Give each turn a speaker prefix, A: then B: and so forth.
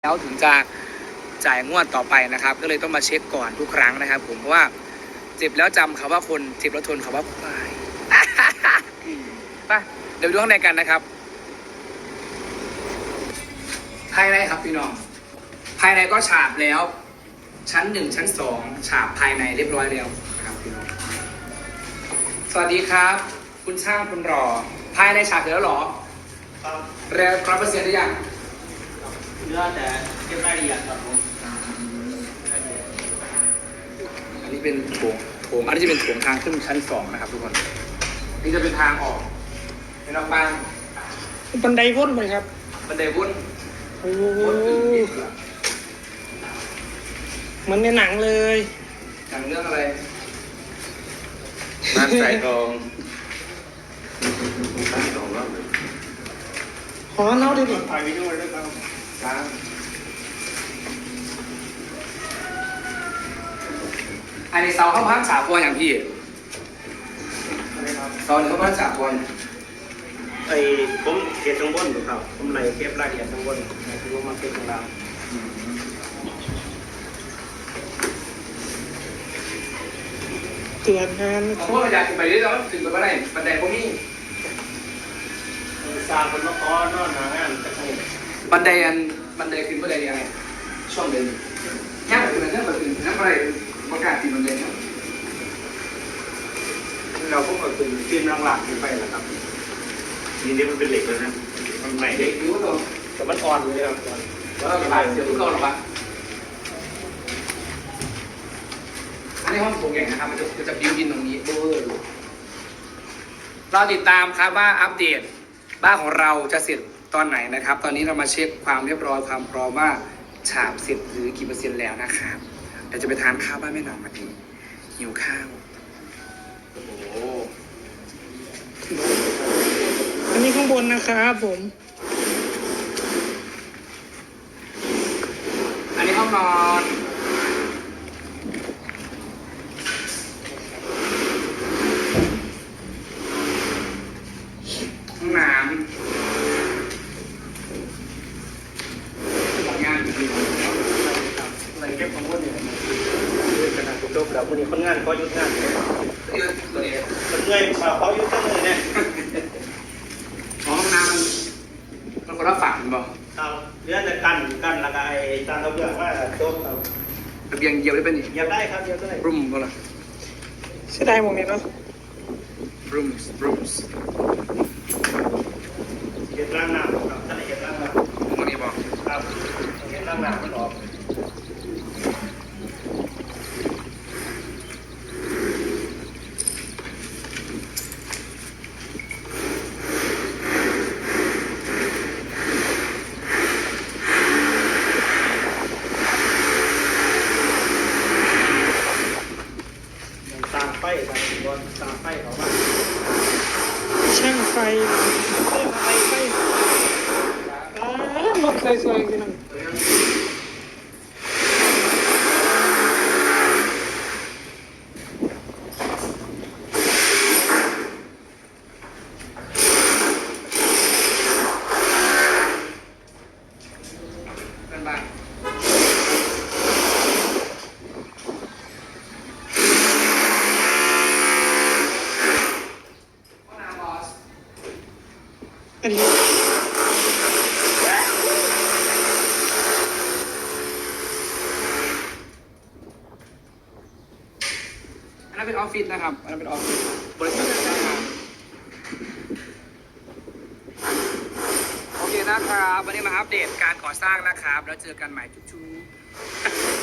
A: แล้วถึงจะจ่ายงวดต่อไปนะครับก็เลยต้องมาเช็คก่อนทุกครั้งนะครับผมเพราะว่าเจ็บแล้วจำคำว่าคนเจ็บแล้วทนคำว่าควายไปเดี๋ยวดูข้างในกันนะครับภายในครับพี่น้องภายในก็ฉาบแล้วชั้น1ชั้น2ฉาบภายในเรียบร้อยแล้วนะครับพี่น้องสวัสดีครับคุณช่างคุณรอภายในฉาบเสร็จแล้วหรอ
B: ครับ
A: แล้ว100%หรือยัง
B: เนื้อแต่เก็บรายละเอียดครับผม
A: อันนี้เป็นโถงอันนี้จะเป็นโถงทางขึ้นชั้น2นะครับทุกคนนี่จะเป็นทางออกเป็นออกบ้าน
C: บันไดวนไปครับ
A: บันไดวน
C: โอ้เหมือนในหนังเลย
A: หนังเรื่องอะไร
B: บ้านสายทอง
C: ขอเล่าดิดิ
B: ถ่ายวิดีโอด้วยครับ
A: ครับอันนี้เสาเข้าพัก3 ตัวอย่างพี่
B: อะไรครับ
A: เสาเข้าพัก3 ตัว
B: ไอ้ผมเก็บข้างบนอยู่ครับผมไล่เก็บรายละเอียดข้างบนคือว่ามาเก็บข้างล่าง
C: เตือนงาน
A: ผมว่าอยากขึ้นไปเรื่อยๆถึงไปไม่ได้บันไดพวกนี้
B: สร้างเป็นมะกอนอนหางานจะคง
A: บันไดขึ้นบันไดยังไงช่องเดินแค่แบบนั้นแบบอื่นนั่นอะไรประกาศตีบันไดเนี่ย
B: เราพวกเราเป็นทีมหลังๆขึ้นไปแหละครับทีนี้มันเป็นเหล็กแล้วนะมันใหม่
A: เด็
B: เด็
A: ก
B: ก
A: รู้ตัว
B: แต่มันอ่อนเลยครับอ่อน
A: แล้วก็หลายเสียทุกคนหรอปะอันนี้ห้องโถงใหญ่นะครับมันจะบิวอินตรงนี้เบอร์เราติดตามครับว่าอัปเดตบ้านของเราจะเสร็จตอนไหนนะครับ ตอนนี้เรามาเช็คความเรียบร้อยความพร้อมว่าฉาบเสร็จหรือกี่%แล้วนะครับเดี๋ยวจะไปทานข้าวบ้านแม่หนองมาทีหิวข้าวโอ้โห
C: อันนี้ข้างบนนะครับผม
A: อันนี้ห้องนอนห้องน้ำทำงานอยู่
B: อะไรเก็บข้างบนอยู่ขนาดจบแล้ววันนี้คนงานก็ยุดงาน
A: ตัวนี้
B: มันเงยเขายุดตั้งเลยเนี่ย
A: ห้องน้ำมันคนละฝั่งบอก
B: ครับเรื่องจะกันแล้วก็ไอ้จานกระเบื้องว่าโต๊ะครับ
A: ระเบียงเยียวได้เป็นนี่
B: เหยียบได้ครับเหยียบได้
A: รูมก็ล่ะ
C: เสียดายหมวกนี้เนาะ
A: rooms
B: เหยียบล่างหน้าครับท่านเหยียบล่างหน้า
A: วันนี้บอก
B: ครับเหยียบล่างหน้ามันออก ตามไฟตามไฟเขาว่า
C: ช่างไฟไฟรถสวยๆพี่น้อง
A: เป็นบ้านห้องน้ำบอส
C: อันนี้
A: อันนั้นเป็นออฟฟิศนะครับอันนั้นเป็นออฟฟิศบริษัทนะครับโอเคนะครับวันนี้มาอัปเดตการก่อสร้างนะครับแล้วเจอกันใหม่จุ๊บๆ